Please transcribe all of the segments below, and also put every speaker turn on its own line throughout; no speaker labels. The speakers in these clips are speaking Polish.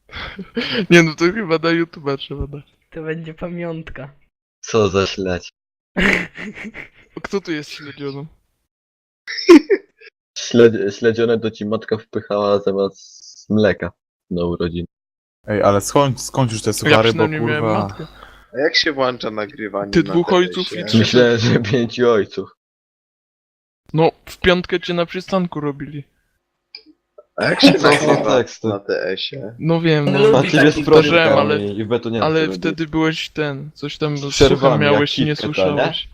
Nie no, to chyba na YouTube'a trzeba dać.
To będzie pamiątka.
Co za śledź.
Kto tu jest śledzioną?
Śledzione to ci matka wpychała zamiast mleka na urodziny.
Ej, ale skąd już te
Ja
suchary, bo
przynajmniej miałem
kurwa...
matkę.
A jak się włącza nagrywanie
Ty
na
dwóch
TS-ie?
ojców i trzy-
Myślałem, że 5 ojców.
No, w piątkę cię na przystanku robili.
A jak się
Co za
nagrywa
teksty?
na TS-ie?
No wiem,
No,
no.
A
lubi
ty jest
taki
powtarzałem,
prądem
ale-
i w betonie.
Ale wtedy byłeś ten, coś tam
Z
z
przerwami,
suchem miałeś i
jak
nie
kitka,
słyszałeś.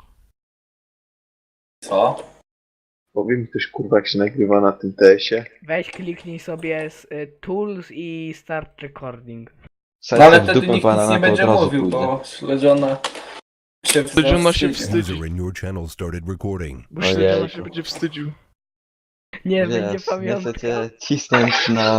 Co?
Powie mi ktoś kurwa jak się nagrywa na tym TS-ie?
Weź kliknij sobie z Tools i Start Recording.
No ale wtedy nikt nic nie będzie mówił, bo śledziona się
Śledziona się
wstydzi.
wstydzi.
User in your channel started recording.
Bo
Ojejku.
śledziona się będzie wstydził.
Nie, będzie
Wiesz, nie
pamiątka.
chcecie cisnąć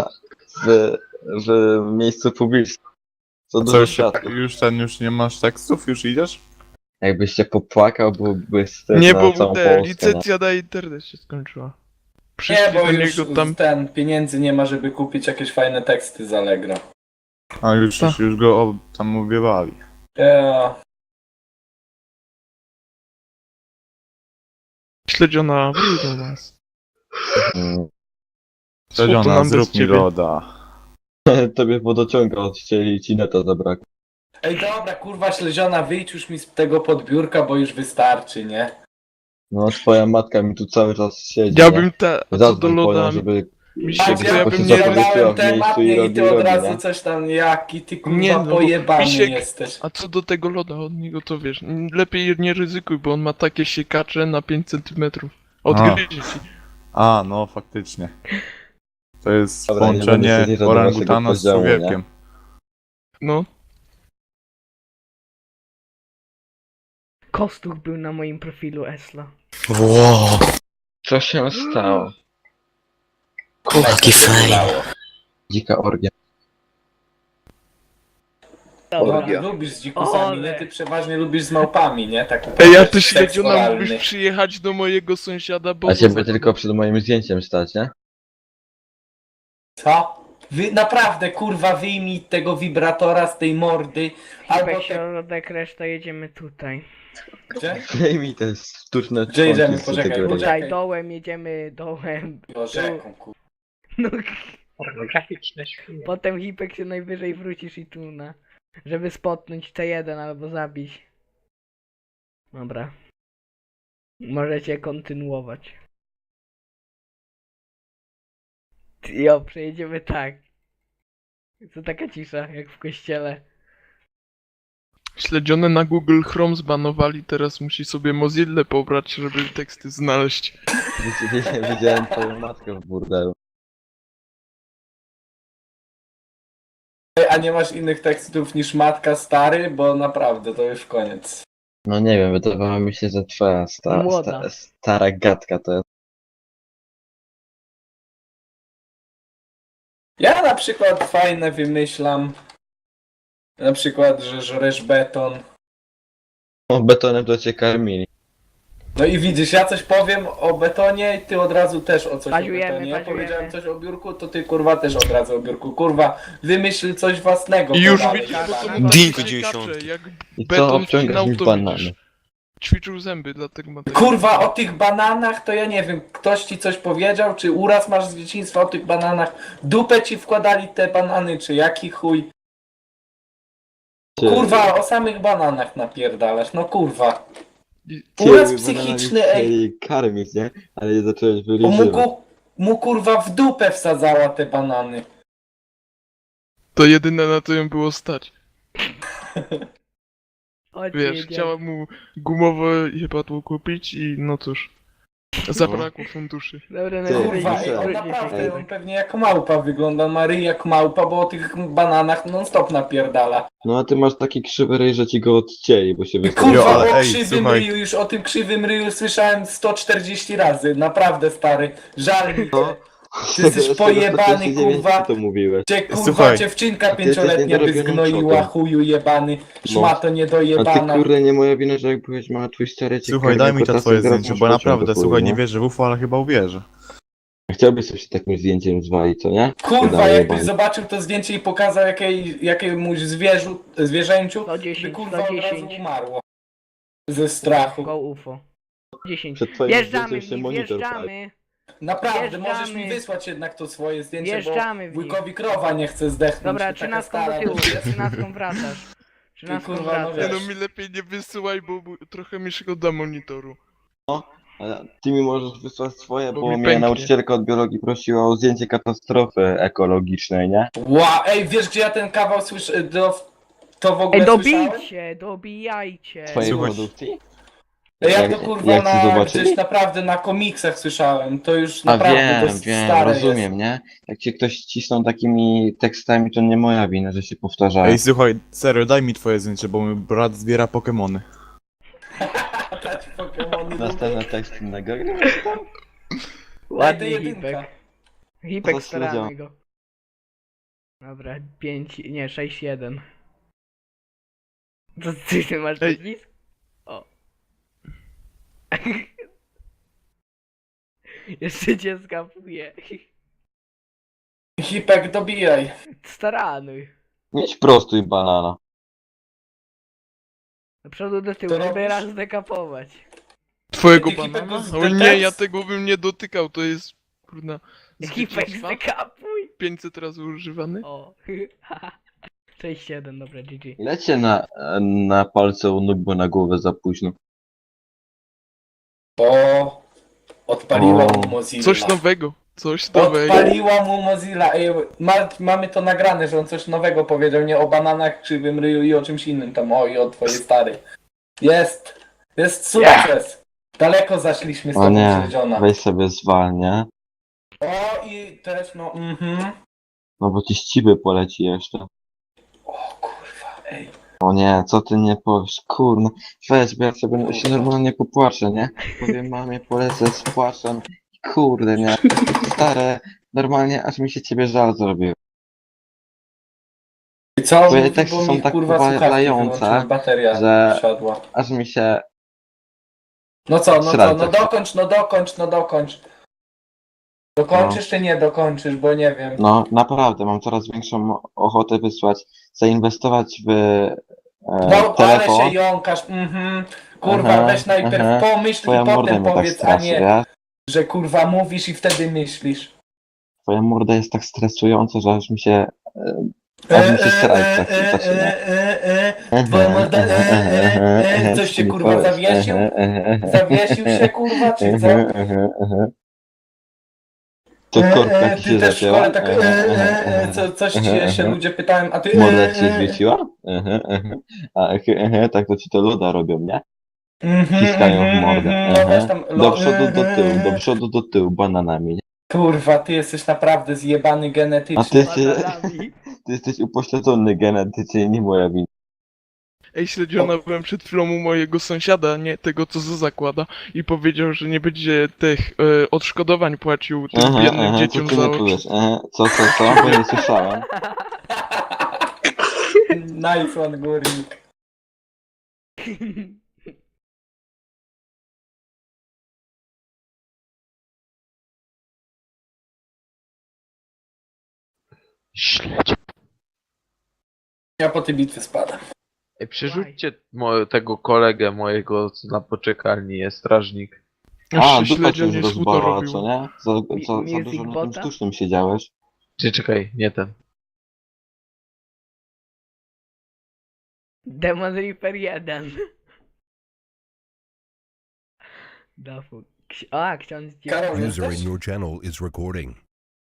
w miejscu publicznym. Co
Co
dużo
już,
światło.
już nie masz tekstów? Już idziesz?
Jakbyś się popłakał, byłby wstyd
Nie,
na
bo
całą
te,
Polskę. no.
licencja na internet się skończyła.
Nie,
Przyszli
bo
do
już
niego tam...
ten pieniędzy nie ma, żeby kupić jakieś fajne teksty z Allegro.
A już go tam ubiewali.
Ja,
Śledziona, wróć do nas.
Mm.
Śledziona,
nam
zrób
bez
mi
ciebie?
loda.
Tobie wodociąga odcięli i ci neta zabrakło.
Ej dobra, kurwa śledziona, wyjdź już mi z tego podbiórka, bo już wystarczy, nie?
No twoja matka mi tu cały czas siedzi.
Ja
nie?
bym te... A co do
Zadzwoń po nią,
loda...
żeby...
Mi
Tak,
się
Żeby
chce, ja
po
bym
prostu
nie...
zapowiedziała
zadałem
w miejscu
temat
i
nie, i
robi,
ty od
robi,
razu
nie?
coś tam, jaki ty kurwa
Nie, no bo
pojebany
Misiek-
jesteś.
A co do tego loda od niego, to wiesz, lepiej nie ryzykuj, bo on ma takie siekacze na 5 cm. Odgryzie ci.
A, no faktycznie. To jest
Dobra, nie będę
połączenie
się zjeżdżał do
orangutana
waszego
z
podziału, nie?
człowiekiem.
No.
Kostuch był na moim profilu Esla.
Wow,
Co się stało?
jaki fajny.
Dzika orgia.
Dobra.
Orgia.
Lubisz z dzikusami, nie? Ty przeważnie lubisz z małpami, nie? Tak
Ej, ja
uprawiasz
ty
seks
śledziona
oralny.
mógłbyś przyjechać do mojego sąsiada, bo...
A ciebie tylko przed moim zdjęciem stać, nie?
Co? Naprawdę, kurwa, wyjmij tego wibratora z tej mordy, albo
Albo
te...
środek, reszta jedziemy tutaj.
Gdzie?
Zdejmij te sztuczne
Gdzie jedziemy?
członki z
Poczekaj,
tego ryja.
poczekaj.
Tutaj dołem jedziemy, dołem.
Jo, rzeką, kurwa.
No,
Pornograficzne świnie.
potem Hipek się najwyżej wrócisz i tuna. Żeby spotnąć T1 albo zabić. Dobra. Możecie kontynuować. Jo, przejedziemy tak. To taka cisza, jak w kościele.
Śledzione na Google Chrome zbanowali, teraz musi sobie Mozilla pobrać, żeby teksty znaleźć.
Widziałem twoją matkę w burdelu.
Ej, a nie masz innych tekstów niż matka stary? Bo naprawdę, to już koniec.
No nie wiem, wydawało mi się, że twoja
Młoda.
stara gadka to jest.
Ja na przykład fajne wymyślam. Na przykład, że żresz beton.
No betonem to cię karmili.
No i widzisz, ja coś powiem o betonie i ty od razu też o coś
Paziujemy,
o betonie. Ja
paziujemy.
powiedziałem coś o biurku, to ty kurwa też od razu o biurku. Kurwa, wymyśl coś własnego.
I już
kurwa,
widzisz,
ale
bo to
jebany.
ma
Dink
takie
90.
siekacze, jak
I co
beton
obciągasz
wcinał,
mi w
to
banany?
widzisz. Ćwiczył zęby, dlatego ma takie...
Kurwa, o tych bananach to ja nie wiem, ktoś ci coś powiedział, czy uraz masz z dzieciństwa o tych bananach? Dupę ci wkładali te banany, czy jaki chuj? Kurwa, o samych bananach napierdalasz, no kurwa. Uraz psychiczny, ej.
Chcieli karmić, nie? Ale je zacząłeś
O,
wylizywać.
mu kurwa w dupę wsadzała te banany.
To jedyne na to ją było stać.
Chodźcie,
Wiesz,
jedziemy.
chciała mu gumowe jebadło kupić i no cóż. Zabrakło funduszy.
Dobra,
Ty,
Kurwa,
Ej,
ej, on
ej,
naprawdę, on pewnie jak małpa wygląda, ma ryj jak małpa, bo o tych bananach non stop napierdala.
No a ty masz taki krzywy ryj, że ci go odcięli, bo się wystawił.
Kurwa,
ale
o
ej,
krzywym
słuchaj.
ryju, już o tym krzywym ryju słyszałem 140 razy, naprawdę stary, żal mi cię. Ty jesteś pojebany, kurwa.
to mówiłeś.
Cię kurwa
Słuchaj.
dziewczynka
A ty jesteś
5-letnia by
niedorobionym
zgnoiła,
czotem.
chuju jebany, szmato
A ty
niedojebana.
kurde, nie moja wina, że jak byłeś mała, twój stary cię
Słuchaj,
karmił
daj mi to
kotasem,
twoje
teraz
zdjęcie,
masz
bo
pociąg
naprawdę,
do chuju,
słuchaj,
nie?
nie wierzę w UFO, ale chyba uwierzę.
Chciałbyś sobie się takim zdjęciem zwalić, co nie?
Kurwa,
Wydaje
jakbyś
pan.
zobaczył to zdjęcie i pokazał jakiemuś zwierzęciu,
110,
by kurwa od razu
110.
umarło. Ze strachu.
Go UFO. 10.
Przed twoim
Wjeżdżamy
zdjęciem
w
się
nich,
monitor
wjeżdżamy.
Naprawdę, możesz
Wjeżdżamy.
mi wysłać jednak to swoje zdjęcie,
Wjeżdżamy
bo
w nich.
wujkowi krowa nie chce zdechnąć.
Dobra,
i taka
13
stara
do tyłu,
już jest.
13 wracasz. 13
kurwa, no
wracasz.
Nie
wiesz.
no, mi lepiej nie wysyłaj, bo trochę mi szkoda monitoru.
Ale ty mi możesz wysłać swoje,
Bo
bo
mi
mnie
pęknie.
nauczycielka od biologii prosiła o zdjęcie katastrofy ekologicznej, nie?
Ej, wiesz gdzie ja ten kawał słyszę, to w ogóle
Ej,
słyszałem?
dobijcie, dobijajcie.
Twojej
Słuchaj.
produkcji?
Ja to kurwa
jak ci zobaczyli?
gdzieś naprawdę na komiksach słyszałem, to już
A
naprawdę to
wiem,
jest
wiem,
stare
rozumiem, nie? Jak cię ktoś cisnął takimi tekstami, to nie moja wina, że się powtarzają.
Ej, słuchaj, serio, daj mi twoje zdjęcie, bo mój brat zbiera Pokemony.
jest. Dać Pokemony
Następny tekst innego.
Ładnie
jedynka.
Hipek. Hipek
Zasłudział.
staramy go. Dobra, 5, nie, 6, 1. To ty masz
Ej.
podpis? O. Jeszcze cię skapuję.
Hipek, dobijaj.
Staranuj.
Mieć prostuj banana.
Do przodu do tyłu,
To
żeby
robisz?
raz zdekapować.
Twojego
Ty, Hipek,
banana?
to
O
ten
nie,
tekst?
ja tego bym nie dotykał, to jest kurna z
Hipek
dzieciństwa,
zdekapuj.
500 razy używany.
O. 6, 7, dobra, GG.
Lecie na palce u nóg, bo na głowę za późno.
Bo odpaliła
O.
mu Mozilla.
Coś nowego, coś nowego.
Odpaliła mu Mozilla. Ej, mamy to nagrane, że on coś nowego powiedział, nie o bananach, krzywym ryju i o czymś innym tam, o i o twojej starej. Jest sukces. Daleko zaszliśmy z
O
tobą,
nie,
Śledziona.
weź sobie zwalnie.
O i też no,
No bo ci ściby poleci jeszcze.
O kurwa, ej.
O nie, co ty nie powiesz, kurno. Weź, bo ja sobie się normalnie popłaczę, nie? Powiem mamie, polecę z płaczem. Kurde, nie? Stare, normalnie aż mi się ciebie żal zrobił.
I co?
Twoje
Mówi,
teksty
bo
są
mi,
tak
kurwa, słuchawki
powalające,
wyłączyły, bateria
że-
siadła.
Aż mi się...
No co, no
Srajca.
dokończ. Dokończysz czy nie dokończysz, bo nie wiem.
No, naprawdę, mam coraz większą ochotę wysłać, zainwestować w
No, ale
telefon.
się jąkasz, Kurwa,
Aha,
weź najpierw
aha.
pomyśl
Twoja
i
morda
potem
mnie tak
powiedz, a
straszy,
nie,
wiesz?
że kurwa mówisz i wtedy myślisz.
Twoja morda jest tak stresująca, że aż mi się... Aż mi się srać tak zaczyna.
Twoja morda, coś się kurwa zawiesił? Zawiesił się kurwa, czy co?
To korka ci
Ty
się
też w
zacięła?
szkole tak, coś ci się ludzie pytają, a ty...
Morda ci się zwieciła? A tak to ci to loda robią, nie? Wciskają w mordę.
No weź tam,
Do przodu, do tyłu, do przodu, do tyłu, bananami. Nie?
Kurwa, ty jesteś naprawdę zjebany
A
genetycznie.
ty jesteś upośledzony genetycznie, nie moja wina.
Ej, Śledziona, byłem przed chwilą u mojego sąsiada, nie tego co zakłada, i powiedział, że nie będzie tych odszkodowań płacił tym biednym
co
dzieciom
ty
za
nie
oczy.
czujesz? Co? Bo nie słyszałem.
Nice one, górnik.
Śledź.
Ja po tej bitwie spadam.
Ej, przerzućcie tego kolegę mojego, co na poczekalni jest, strażnik.
A,
Jeszcze
dupa cię
Śledzion nie
rozbała,
robił.
co nie? Za
Music
dużo na tym
bota?
sztucznym siedziałeś.
Czy czekaj, nie ten.
Demon Reaper 1. Dafu. A, ksiądz
Karol,
User
jesteś?
in your channel is recording.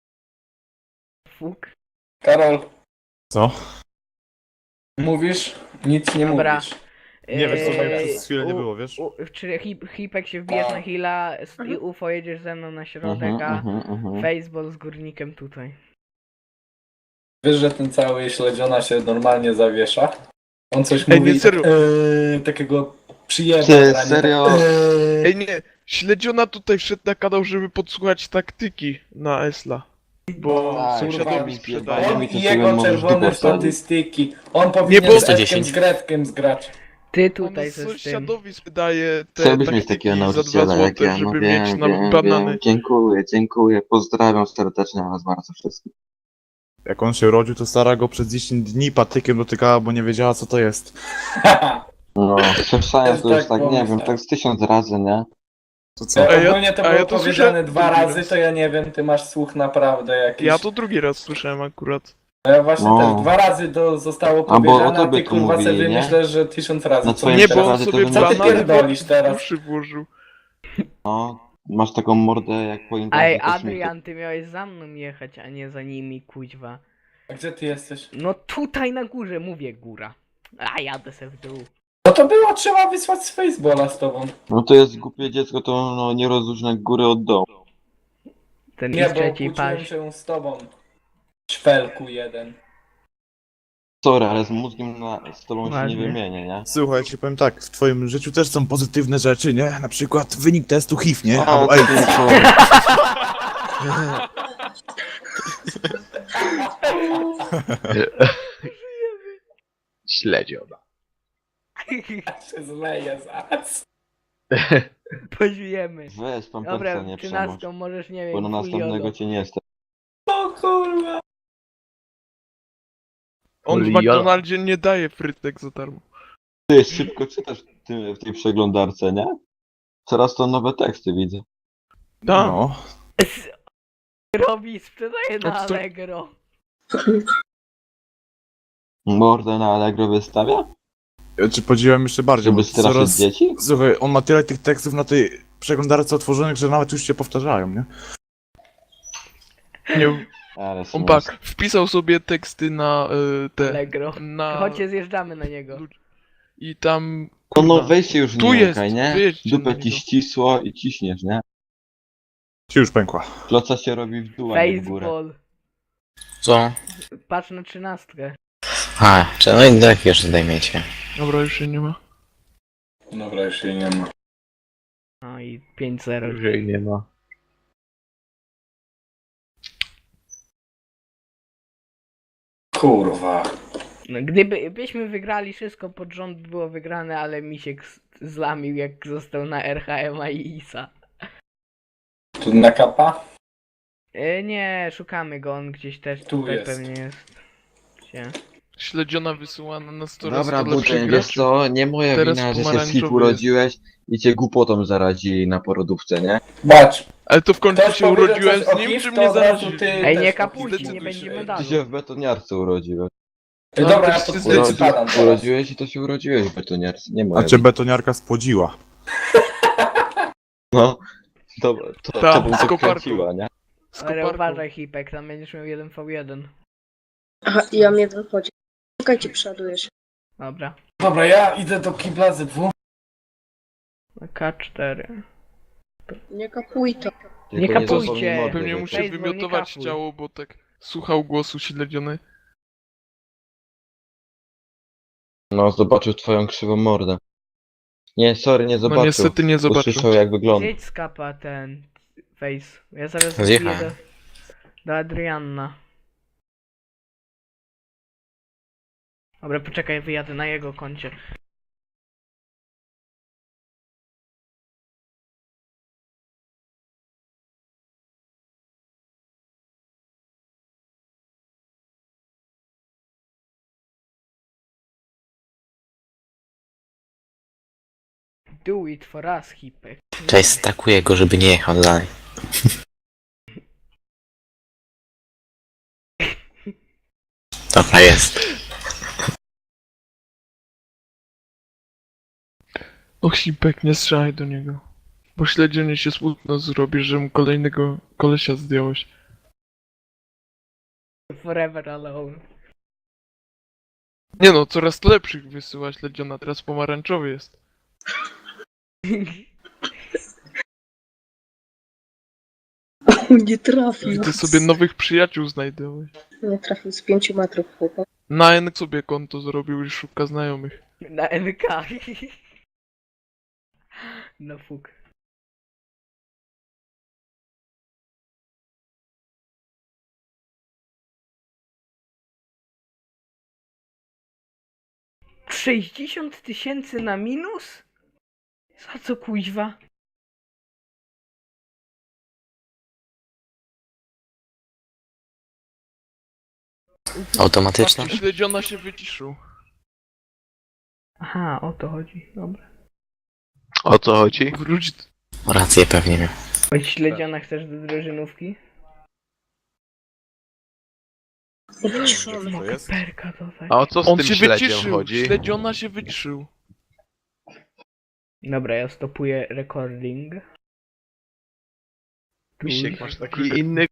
Fuk.
Karol,
Co?
mówisz? Nic nie
Dobra.
mówisz.
Nie wiesz, co
Eee,
przez chwilę nie było, wiesz?
Czy Hipek się wbijesz na heala i UFO jedziesz ze mną na środek, a Faceball z górnikiem tutaj.
Wiesz, że ten cały śledziona się normalnie zawiesza? On coś
Ej,
mówi,
nie, serio.
takiego przyjemnego.
Ty, serio?
Ej, nie, Śledziona tutaj wszedł na kanał, żeby podsłuchać taktyki na Esla. Bo
Tak,
sąsiadowi
kurwa,
sprzedaje.
On
mi to
i
sobie
jego
możesz
czerwone
dupę wsadzić.
statystyki. On powinien
bo-
z Edkiem z Gretkiem zgrać.
Ty
On
tutaj ze z tym.
sąsiadowi sprzedaje te
Chciałbyś mieć
taktyki
takiego
za 2
nauczyciela jak
złote,
ja, no
żeby mieć
wiem,
na
wiem,
banany.
wiem. Dziękuję, dziękuję. Pozdrawiam serdecznie was bardzo wszystkich.
Jak on się urodził, to stara go przez 10 dni patykiem dotykała, bo nie wiedziała co to jest.
No, słyszałem
Też
to już
tak
tak, nie wiem,
pomyślałem.
tak z 1000 razy, nie?
To co?
Ogólnie to
a
było
ja to
powiedziane
słyszałem
2
drugi
razy,
raz.
to ja nie wiem, ty masz słuch naprawdę jakiś.
Ja to drugi raz słyszałem akurat.
Ja właśnie
No.
też 2 razy to zostało
bo o
powiedziane, a
tobie
ty
tu
kurwa
mówili,
sobie
nie?
myślę, że 1000 razy.
Na
Co
twoim
ty
Nie, bo
teraz?
on
przykładzie to
sobie
bym
Co ty
mógł powiedzieć.
banany
pierdolisz
w
teraz?
uszy włożył.
No, masz taką mordę jak po imprezie
Ej,
kosmity.
Adrian, ty miałeś za mną jechać, a nie za nimi, kuźwa.
A gdzie ty jesteś?
No tutaj na górze, mówię góra. A jadę se w dół.
No to było trzeba wysłać z Faceboola z tobą.
No to jest głupie dziecko, to no, nie rozróżnia góry od dołu.
Ten
Nie,
i
bo
trzeci
kłóciłem
paś.
się z tobą. Ćwelku jeden.
Sorry, ale z mózgiem z tobą się
Ładnie.
nie wymienię, nie?
Słuchaj, ci powiem tak, w twoim życiu też są pozytywne rzeczy, nie? Na przykład wynik testu HIV, nie?
A,
Albo
ty,
AIDS.
sorry.
Śledziona.
się zleję zaraz.
Pożyjemy.
Weź pampersa
Dobra,
nie
13
przemoć,
możesz, nie
bo na
wiem,
następnego
Fuliodo.
cię nie stać.
O kurwa.
On w
Oliola.
McDonaldzie nie daje frytek za darmo.
Ty szybko czytasz w tej przeglądarce, nie? Coraz to nowe teksty widzę.
Tak.
No.
Robi, sprzedaje na
Odsto-
Allegro.
Mordę na Allegro wystawia?
Ja ci podziwiam jeszcze bardziej,
Żeby
bo
straszyć
coraz...
dzieci?
Słuchaj, on ma tyle tych tekstów na tej przeglądarce otworzonych, że nawet już się powtarzają, nie?
Nie,
Ale
on
smutno.
tak, wpisał sobie teksty na te...
Allegro.
Na...
Chodźcie, zjeżdżamy na niego.
I tam...
No, no
kurwa,
weź się już
Tu
nie
jest,
jąkaj, nie?
wyjedźcie na
Dupę
niego.
ci ścisło i ciśniesz, nie?
Ci już pękła.
Kloca się robi w dół, a nie w górę.
Baseball.
Co?
Patrz na 13.
A, czy no i tak już zdejmiecie.
Dobra, już się nie ma.
Dobra, już jej nie ma.
No i 5-0.
Już jej nie ma.
Kurwa.
No, byśmy wygrali, wszystko pod rząd było wygrane, ale Misiek zlamił jak został na RHM i ISA.
Tu na kapa?
Nie, szukamy go, on gdzieś też
Tu
tutaj
jest.
pewnie jest. Gdzie?
Śledziona wysyłana na 100 razy
Dobra,
to lepszy
Buty, wiesz
gracz.
co? Nie moja
Teraz
wina, że się z
pomarańczowy
HIV urodziłeś i cię głupotą zarazili na porodówce, nie?
Patrz.
Ale to w końcu
Ktoś
się
powiedział
urodziłem
coś o
z nim,
HIV,
czy
to
mnie
od razu
zarazili?
ty
Ej,
też
nie
to
kapujcie,
zdecyduj
nie
się.
będzie
Ty
medalu.
się w betoniarce urodziłeś.
Ej,
No,
dobra,
to
ja
się
to
zdecyduje.
spadam teraz.
Urodziłeś i to się urodziłeś w betoniarce, nie
A
moja
cię
wina.
betoniarka spłodziła.
No, to
Ta,
bym
z
to
koparką.
kręciła, nie?
Z
Ale
koparką.
uważaj Hipek, tam będziesz miał 1v1.
Aha, i ja mnie wychodzi. Czekajcie, przeładujesz.
Dobra.
Dobra, ja idę do kibla ze dwóch.
K4.
Nie kapuj to.
Nie
Tylko
kapujcie.
zapomnij mordy
Pewnie mu
wyciąć.
się
Baseball, nie
wymiotować
kapuj.
chciało, bo tak słuchał głosu śledziony.
No, zobaczył twoją krzywą mordę. Nie, sorry, nie
No
zobaczył.
niestety nie zobaczył.
Usłyszał jak wygląda.
Zjedź z kapa ten face. Ja zaraz
Zjechałem.
wbiję do Adrianna. Dobra, poczekaj, wyjadę na jego koncie. Do it for us, Hipek.
Cześć, stakuję go, żeby nie jechał dalej. Dobra, jest.
Och, Sipek, nie strzelaj do niego. Bo śledziony się smutno zrobi, że mu kolejnego kolesia zdjąłeś.
Forever alone.
Nie no, coraz lepszych wysyła śledziona, teraz pomarańczowy jest.
Nie trafił.
I ty sobie nowych przyjaciół znajdowałeś.
Nie trafił z 5 metrów, chłopak.
Na N sobie konto zrobił i szuka znajomych.
Na NK. No fuk. 60 000 na minus? Za co kuźwa?
Automatyczna?
Patrzcie, śledziona się wyciszył.
Aha, o to chodzi, dobra.
O co chodzi?
Wróć.
Rację pewnie miał.
Oj, śledziona, chcesz do drużynówki?
Wyciszony.
To jest?
Perka to tak.
A o co z
On
tym
się
śledziem
wyciszył.
chodzi?
Śledziona się wyciszył.
Dobra, ja stopuję recording.
Misiek, masz taki inny